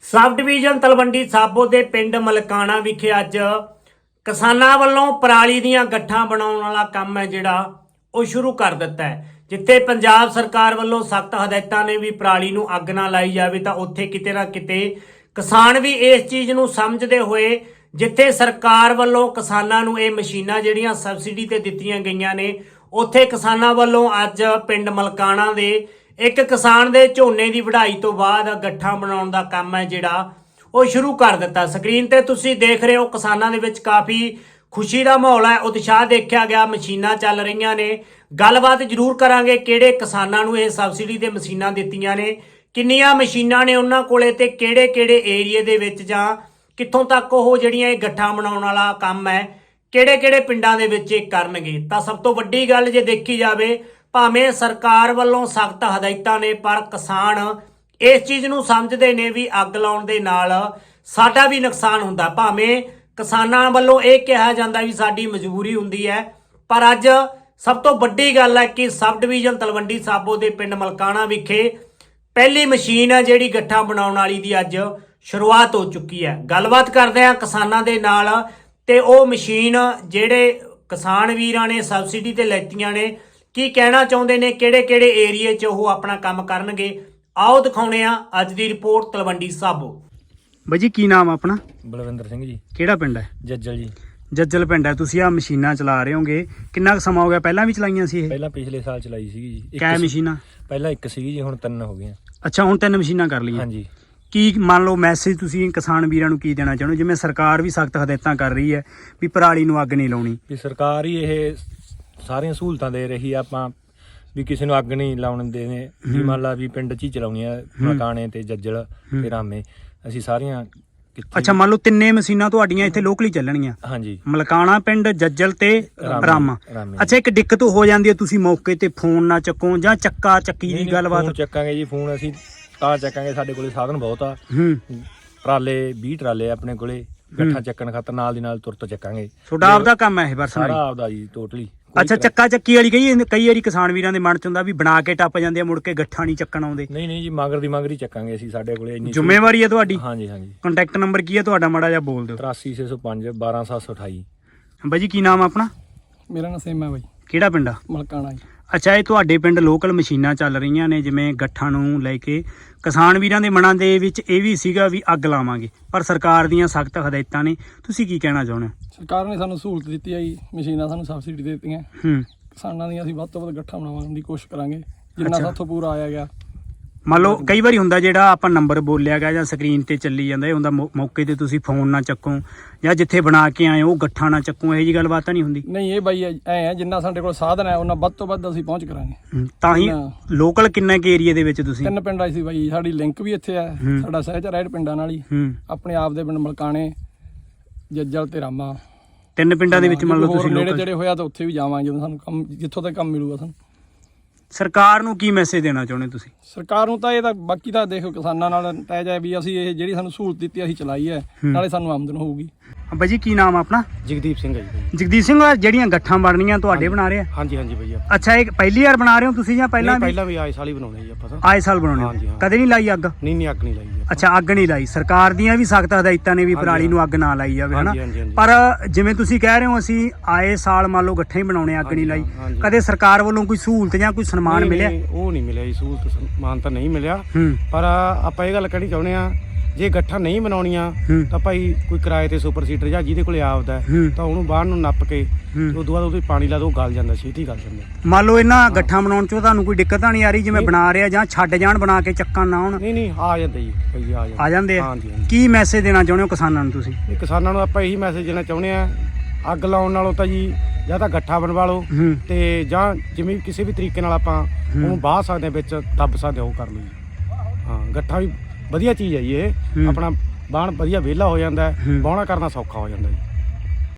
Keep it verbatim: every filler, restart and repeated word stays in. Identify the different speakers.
Speaker 1: Sub division Talwandi साबो के पिंड मलकाना विखे अज किसानां वल्लों पराली दीयां गट्ठां बनाउण वाला काम है जिहड़ा ਉਹ शुरू कर दिता है। जिथे पंजाब सरकार वालों सख्त हदायतां ने भी पराली नूं अग ना लाई जाए तो उत्थे किते ना किते किसान भी इस चीज़ नूं समझदे होए जिथे सरकार वालों किसानां नूं ये मशीनां जिहड़ियां सबसिडी ते दित्तियां गईयां ने उत्थे किसानां वालों अज पिंड मलकाना दे एक किसान दे झोने की वढाई तो बाद गट्ठा बनाउण दा काम है जिहड़ा ਉਹ शुरू कर दिता। स्क्रीन ते तुसीं देख रहे हो किसानां दे विच काफ़ी खुशी का माहौल है, उत्साह देखा गया, मशीनां चल रही ने। गलबात जरूर करांगे किहड़े किसानां नूं इह सबसिडी ते मशीनां दित्तियां ने, किन्नियां मशीनां ने उन्हां कोले ते किहड़े किहड़े एरिए दे विच जां कित्थों तक ओह जिहड़ियां इह गट्ठा बनाउण वाला काम है किहड़े किहड़े पिंडां दे विच इह करनगे। तां सब तो वड्डी गल जे देखी जावे भावें सरकार वल्लों सख्त हदायतां ने पर किसान इस चीज़ नूं समझदे ने भी अग लाउण दे नाल साडा भी नुकसान हुंदा। भावें किसानां वल्लों यह कहा जाता भी साडी मजबूरी हुंदी है, पर अज सब तो वड्डी गल है कि सब डिवीजन तलवंडी साबो के पिंड मलकाना विखे पहली मशीन है जिहड़ी गट्ठा बनाउण वाली दी अज शुरुआत हो चुकी है। गलबात करदे हां किसानां दे नाल ते ओह मशीन जिहड़े किसान वीरां ने सबसिडी ते लैतियां ने की कहना चाहुंदे ने, किहड़े किहड़े एरिए च ओह अपना काम करनगे। आओ दिखाउने आ अज दी रिपोर्ट तलवंडी साबो।
Speaker 2: ਬਾਈ ਜੀ ਕੀ ਨਾਮ ਆਪਣਾ?
Speaker 3: ਬਲਵਿੰਦਰ ਸਿੰਘ ਜੀ।
Speaker 2: ਕਿਹੜਾ ਪਿੰਡ ਹੈ?
Speaker 3: ਜੱਜਲ ਜੀ।
Speaker 2: ਜੱਜਲ ਪਿੰਡ ਹੈ। ਤੁਸੀਂ ਆ ਮਸ਼ੀਨਾਂ ਚਲਾ ਰਹੇ ਹੋਗੇ, ਕਿੰਨਾ ਕੁ ਸਮਾਂ ਹੋ ਗਿਆ? ਪਹਿਲਾਂ ਵੀ ਚਲਾਈਆਂ ਸੀ ਇਹ?
Speaker 3: ਪਹਿਲਾਂ ਪਿਛਲੇ ਸਾਲ ਚਲਾਈ ਸੀਗੀ ਜੀ।
Speaker 2: ਕਿੰਨੀਆਂ ਮਸ਼ੀਨਾਂ?
Speaker 3: ਪਹਿਲਾਂ ਇੱਕ ਸੀਗੀ ਜੀ, ਹੁਣ ਤਿੰਨ ਹੋ ਗਈਆਂ।
Speaker 2: ਅੱਛਾ, ਹੁਣ ਤਿੰਨ ਮਸ਼ੀਨਾਂ ਕਰ ਲਈਆਂ।
Speaker 3: ਹਾਂਜੀ।
Speaker 2: ਕੀ ਮੰਨ ਲਓ ਮੈਸੇਜ ਤੁਸੀਂ ਕਿਸਾਨ ਵੀਰਾਂ ਨੂੰ ਕੀ ਦੇਣਾ ਚਾਹੁੰਦੇ? ਜਿਵੇਂ ਸਰਕਾਰ ਵੀ ਸਖਤ ਹਦਾਇਤਾਂ ਕਰ ਰਹੀ ਹੈ ਵੀ ਪਰਾਲੀ ਨੂੰ ਅੱਗ ਨਹੀਂ ਲਾਉਣੀ,
Speaker 3: ਵੀ ਸਰਕਾਰ ਹੀ ਇਹ ਸਾਰੀਆਂ ਸਹੂਲਤਾਂ ਦੇ ਰਹੀ ਆ, ਆਪਾਂ ਵੀ ਕਿਸੇ ਨੂੰ ਅੱਗ ਨਹੀਂ ਲਾਉਣ ਦੇਣੇ। ਵੀ ਮੰਨ ਲਾ ਵੀ ਪਿੰਡ 'ਚ ਹੀ ਚਲਾਉਣੀਆਂ ਮਲਕਾਣੇ ਤੇ ਜੱਜਲ ਤੇ ਰਾਮੇ, ਅਸੀਂ ਸਾਰੀਆਂ।
Speaker 2: ਅੱਛਾ, ਮੰਨ ਲਓ ਤਿੰਨੇ ਮਸ਼ੀਨਾਂ ਤੁਹਾਡੀਆਂ ਇੱਥੇ ਲੋਕਲੀ ਚੱਲਣਗੀਆਂ?
Speaker 3: ਹਾਂਜੀ।
Speaker 2: ਮਲਕਾਣਾ ਪਿੰਡ, ਜੱਜਲ ਤੇ ਰਾਮਾ। ਅੱਛਾ, ਇੱਕ ਦਿੱਕਤ ਹੋ ਜਾਂਦੀ ਹੈ, ਤੁਸੀਂ ਮੌਕੇ ਤੇ ਫੋਨ ਨਾ ਚੱਕੋ ਜਾਂ ਚੱਕਾ ਚੱਕੀ ਦੀ ਗੱਲਬਾਤ?
Speaker 3: ਚੱਕਾਂਗੇ ਜੀ ਫੋਨ, ਅਸੀਂ ਤਾਂ ਚੱਕਾਂਗੇ, ਸਾਡੇ ਕੋਲੇ ਸਾਧਨ ਬਹੁਤ ਆ। ਟਰਾਲੇ ਵੀਹ ਟਰਾਲੇ ਆਪਣੇ ਕੋਲੇ ਗੱਠਾ ਚੱਕਣ ਖਾਤਰ, ਨਾਲ ਦੀ ਨਾਲ ਤੁਰਤ ਚੱਕਾਂਗੇ। ਤੁਹਾਡਾ
Speaker 2: ਆਪਦਾ ਕੰਮ ਹੈ ਇਹ? ਬਸ
Speaker 3: ਸਾਰਾ ਆਪਦਾ ਜੀ, ਟੋਟਲੀ।
Speaker 2: ਅੱਛਾ, ਚੱਕਾ ਚੱਕੀ ਵਾਲੀ ਕਈ ਕਈ ਵਾਰੀ ਕਿਸਾਨ ਵੀਰਾਂ ਦੇ ਮਨ ਚ ਹੁੰਦਾ ਵੀ ਬਣਾ ਕੇ ਟੱਪ ਜਾਂਦੇ ਆ, ਮੁੜ ਕੇ ਗੱਠਾ ਨਹੀਂ ਚੱਕਣ ਆਉਂਦੇ।
Speaker 3: ਨਹੀਂ ਨਹੀਂ ਜੀ, ਮਗਰ ਦੀ ਮਗਰ ਹੀ ਚੱਕਾਂਗੇ ਅਸੀਂ, ਸਾਡੇ ਕੋਲੇ ਇੰਨੀ
Speaker 2: ਜ਼ਿੰਮੇਵਾਰੀ ਹੈ ਤੁਹਾਡੀ।
Speaker 3: ਹਾਂਜੀ ਹਾਂਜੀ।
Speaker 2: ਕੰਟੈਕਟ ਨੰਬਰ ਕੀ ਹੈ ਤੁਹਾਡਾ? ਮਾੜਾ ਜਿਹਾ ਬੋਲ ਦਿਓ।
Speaker 3: ਤਰਾਸੀ ਛੇ ਸੌ ਪੰਜ ਬਾਰਾਂ ਸੱਤ ਸੌ ਅਠਾਈ।
Speaker 2: ਬਾਈ ਜੀ ਕੀ ਨਾਮ ਆਪਣਾ?
Speaker 4: ਮੇਰਾ ਨਾਮ ਸੇਮ ਹੈ ਬਾਈ।
Speaker 2: ਕਿਹੜਾ ਪਿੰਡ ਆ?
Speaker 4: ਮਲਕਾਣਾ ਜੀ।
Speaker 2: ਅੱਛਾ, ਇਹ ਤੁਹਾਡੇ ਪਿੰਡ ਲੋਕਲ ਮਸ਼ੀਨਾਂ ਚੱਲ ਰਹੀਆਂ ਨੇ ਜਿਵੇਂ ਗੱਠਾਂ ਨੂੰ ਲੈ ਕੇ, ਕਿਸਾਨ ਵੀਰਾਂ ਦੇ ਮਨਾਂ ਦੇ ਵਿੱਚ ਇਹ ਵੀ ਸੀਗਾ ਵੀ ਅੱਗ ਲਾਵਾਂਗੇ, ਪਰ ਸਰਕਾਰ ਦੀਆਂ ਸਖਤ ਹਦਾਇਤਾਂ ਨੇ। ਤੁਸੀਂ ਕੀ ਕਹਿਣਾ ਚਾਹੁੰਦੇ ਹੋ?
Speaker 4: ਸਰਕਾਰ ਨੇ ਸਾਨੂੰ ਸਹੂਲਤ ਦਿੱਤੀ ਹੈ ਜੀ, ਮਸ਼ੀਨਾਂ ਸਾਨੂੰ ਸਬਸਿਡੀ ਦੇ ਦਿੱਤੀਆਂ।
Speaker 2: ਹੂੰ।
Speaker 4: ਕਿਸਾਨਾਂ ਦੀਆਂ ਅਸੀਂ ਵੱਧ ਤੋਂ ਵੱਧ ਗੱਠਾ ਬਣਾਉਣ ਦੀ ਕੋਸ਼ਿਸ਼ ਕਰਾਂਗੇ ਜਿੰਨਾ ਸਾਥੋਂ ਪੂਰਾ ਆਇਆ ਗਿਆ।
Speaker 2: ਮੰਨ ਲਓ ਕਈ ਵਾਰੀ ਹੁੰਦਾ ਜਿਹੜਾ ਆਪਾਂ ਨੰਬਰ ਬੋਲਿਆ ਗਿਆ ਜਾਂ ਸਕਰੀਨ ਤੇ ਚੱਲੀ ਜਾਂਦਾ, ਇਹ ਹੁੰਦਾ ਮੌਕੇ ਤੇ ਤੁਸੀਂ ਫੋਨ ਨਾ ਚੱਕੋ ਜਾਂ ਜਿੱਥੇ ਬਣਾ ਕੇ ਆਏ ਉਹ ਗੱਠਾ ਨਾ ਚੱਕੋ, ਇਹੋ ਜਿਹੀ ਗੱਲਬਾਤ ਤਾਂ ਨਹੀਂ ਹੁੰਦੀ?
Speaker 4: ਨਹੀਂ, ਇਹ ਬਾਈ ਐ ਹੈ ਜਿੰਨਾ ਸਾਡੇ ਕੋਲ ਸਾਧਨ ਹੈ ਉਹਨਾਂ ਵੱਧ ਤੋਂ ਵੱਧ ਅਸੀਂ ਪਹੁੰਚ ਕਰਾਂਗੇ।
Speaker 2: ਤਾਂ ਹੀ ਲੋਕਲ ਕਿੰਨੇ ਕੇ ਏਰੀਏ ਦੇ ਵਿੱਚ ਤੁਸੀਂ?
Speaker 4: ਤਿੰਨ ਪਿੰਡ ਆਈ ਸੀ ਬਾਈ, ਸਾਡੀ ਲਿੰਕ ਵੀ ਇੱਥੇ ਹੈ, ਸਾਡਾ ਸਹਿਜ ਰਾਈਡ ਪਿੰਡਾਂ ਨਾਲ ਹੀ, ਆਪਣੇ ਆਪ ਦੇ ਪਿੰਡ ਮਲਕਾਣੇ, ਜੱਜਲ ਤੇ ਰਾਮਾ,
Speaker 2: ਤਿੰਨ ਪਿੰਡਾਂ ਦੇ ਵਿੱਚ ਮੰਨ ਲਓ ਤੁਸੀਂ
Speaker 4: ਨੇੜੇ ਜਿਹੜੇ ਹੋਇਆ ਤਾਂ ਉੱਥੇ ਵੀ ਜਾਵਾਂਗੇ ਜਦੋਂ ਸਾਨੂੰ ਕੰਮ, ਜਿੱਥੋਂ ਤੱਕ ਕੰਮ ਮਿਲੂਗਾ ਸਾਨੂੰ।
Speaker 2: ਸਰਕਾਰ ਨੂੰ ਕੀ ਮੈਸੇਜ ਦੇਣਾ ਚਾਹੁੰਦੇ ਤੁਸੀਂ?
Speaker 4: ਸਰਕਾਰ ਨੂੰ ਤਾਂ ਇਹ ਤਾਂ ਬਾਕੀ ਤਾਂ ਦੇਖੋ ਕਿਸਾਨਾਂ ਨਾਲ ਤੈਅ ਹੈ ਵੀ ਅਸੀਂ ਇਹ ਜਿਹੜੀ ਸਾਨੂੰ ਸਹੂਲਤ ਦਿੱਤੀ ਅਸੀਂ ਚਲਾਈ ਹੈ, ਨਾਲੇ ਸਾਨੂੰ ਆਮਦਨ ਹੋਊਗੀ।
Speaker 2: ਬਾਈ ਜੀ ਕੀ ਨਾਮ ਆਪਣਾ?
Speaker 5: ਜਗਦੀਪ ਸਿੰਘ ਹੈ ਜੀ।
Speaker 2: ਜਗਦੀਪ ਸਿੰਘ, ਜਿਹੜੀਆਂ ਗੱਠਾਂ ਬਣਨੀਆਂ ਤੁਹਾਡੇ ਬਣਾ ਰਹੇ ਆ?
Speaker 5: ਹਾਂਜੀ ਹਾਂਜੀ ਭਈਆ।
Speaker 2: ਅੱਛਾ, ਇਹ ਪਹਿਲੀ ਵਾਰ ਬਣਾ ਰਹੇ ਹੋ ਤੁਸੀਂ ਜਾਂ ਪਹਿਲਾਂ ਵੀ?
Speaker 5: ਪਹਿਲਾਂ ਵੀ ਆਏ ਸਾਲ ਹੀ ਬਣਾਉਣੇ ਜੀ ਆਪਾਂ ਤਾਂ।
Speaker 2: ਆਏ ਸਾਲ ਬਣਾਉਣੇ? ਕਦੇ ਨਹੀਂ ਲਾਈ ਅੱਗ?
Speaker 5: ਨਹੀਂ ਨਹੀਂ, ਅੱਗ ਨਹੀਂ ਲਾਈ ਜੀ।
Speaker 2: ਅੱਛਾ, ਅੱਗ ਨਹੀਂ ਲਾਈ। ਸਰਕਾਰ ਦੀਆਂ ਵੀ ਸਖਤ ਹਦਾਇਤਾਂ ਨੇ ਵੀ ਪਰਾਲੀ ਨੂੰ ਅੱਗ ਨਾ ਲਾਈ ਜਾਵੇ, ਹਨਾ? ਪਰ ਜਿਵੇਂ ਤੁਸੀਂ ਕਹਿ ਰਹੇ ਹੋ ਅਸੀਂ ਆਏ ਸਾਲ ਮੰਨ ਲਓ ਗੱਠੇ ਹੀ ਬਣਾਉਣੇ, ਅੱਗ ਨਹੀਂ ਲਾਈ, ਕਦੇ ਸਰਕਾਰ ਵੱਲੋਂ ਕੋਈ ਸਹੂਲਤ ਜਾਂ ਕੋਈ ਸਨਮਾਨ ਮਿਲਿਆ?
Speaker 5: ਉਹ ਨਹੀਂ ਮਿਲਿਆ ਜੀ, ਸਹੂਲਤ ਸਨਮਾਨ ਤਾਂ ਨਹੀਂ ਮਿਲਿਆ। ਪਰ ਆਪਾਂ ਇਹ ਗੱਲ ਕਹਿਣੀ ਚਾਹੁੰਦੇ ਆ, ਜੇ ਗੱਠਾ ਨਹੀਂ ਬਣਾਉਣੀਆਂ ਤਾਂ ਭਾਈ ਕੋਈ ਕਿਰਾਏ ਤੇ ਸੁਪਰ ਸੀਡਰ ਜਾਂ ਜਿਹਦੇ ਕੋਲੇ ਆਪਦਾ ਤਾਂ ਉਹਨੂੰ ਬਾਹਰ ਨੂੰ ਨੱਪ ਕੇ ਉਸ ਤੋਂ ਬਾਅਦ ਉਹਦੇ ਪਾਣੀ ਲਾ ਦੋ, ਗਲ ਜਾਂਦਾ, ਛੇਤੀ ਗਲ ਜਾਂਦਾ।
Speaker 2: ਮੰਨ ਲਓ ਇਹਨਾਂ ਗੱਠਾਂ ਬਣਾਉਣ ਚ ਤੁਹਾਨੂੰ ਕੋਈ ਦਿੱਕਤ ਤਾਂ ਨਹੀਂ ਆ ਰਹੀ ਜਿਵੇਂ ਬਣਾ ਰਿਹਾ, ਜਾਂ ਛੱਡ ਜਾਣ ਬਣਾ ਕੇ ਚੱਕਾਂ ਨਾ ਆਉਣ?
Speaker 5: ਨਹੀਂ ਨਹੀਂ, ਆ ਜਾਂਦੇ ਜੀ ਭਾਈ, ਆ ਜਾਂਦੇ।
Speaker 2: ਆ ਜਾਂਦੇ ਆ?
Speaker 5: ਹਾਂਜੀ।
Speaker 2: ਕੀ ਮੈਸੇਜ ਦੇਣਾ ਚਾਹੁੰਦੇ ਹੋ ਕਿਸਾਨਾਂ ਨੂੰ ਤੁਸੀਂ?
Speaker 5: ਕਿਸਾਨਾਂ ਨੂੰ ਆਪਾਂ ਇਹੀ ਮੈਸੇਜ ਦੇਣਾ ਚਾਹੁੰਦੇ ਆ, ਅੱਗ ਲਾਉਣ ਨਾਲੋਂ ਤਾਂ ਜੀ ਜਾਂ ਤਾਂ ਗੱਠਾ ਬਣਵਾ ਲਓ ਤੇ ਜਾਂ ਜਿਵੇਂ ਕਿਸੇ ਵੀ ਤਰੀਕੇ ਨਾਲ ਆਪਾਂ ਉਹਨੂੰ ਬਾਹ ਸਕਦੇ ਹਾਂ, ਵਿੱਚ ਦੱਬ ਸਕਦੇ, ਉਹ ਕਰ ਲਓ ਜੀ। ਹਾਂ, ਗੱਠਾ ਵੀ ਵਧੀਆ ਚੀਜ਼ ਹੈ ਜੀ, ਇਹ ਆਪਣਾ ਬਾਣ ਵਧੀਆ ਵਿਹਲਾ ਹੋ ਜਾਂਦਾ, ਬਾਹਣਾ ਕਰਨਾ ਸੌਖਾ ਹੋ ਜਾਂਦਾ ਜੀ।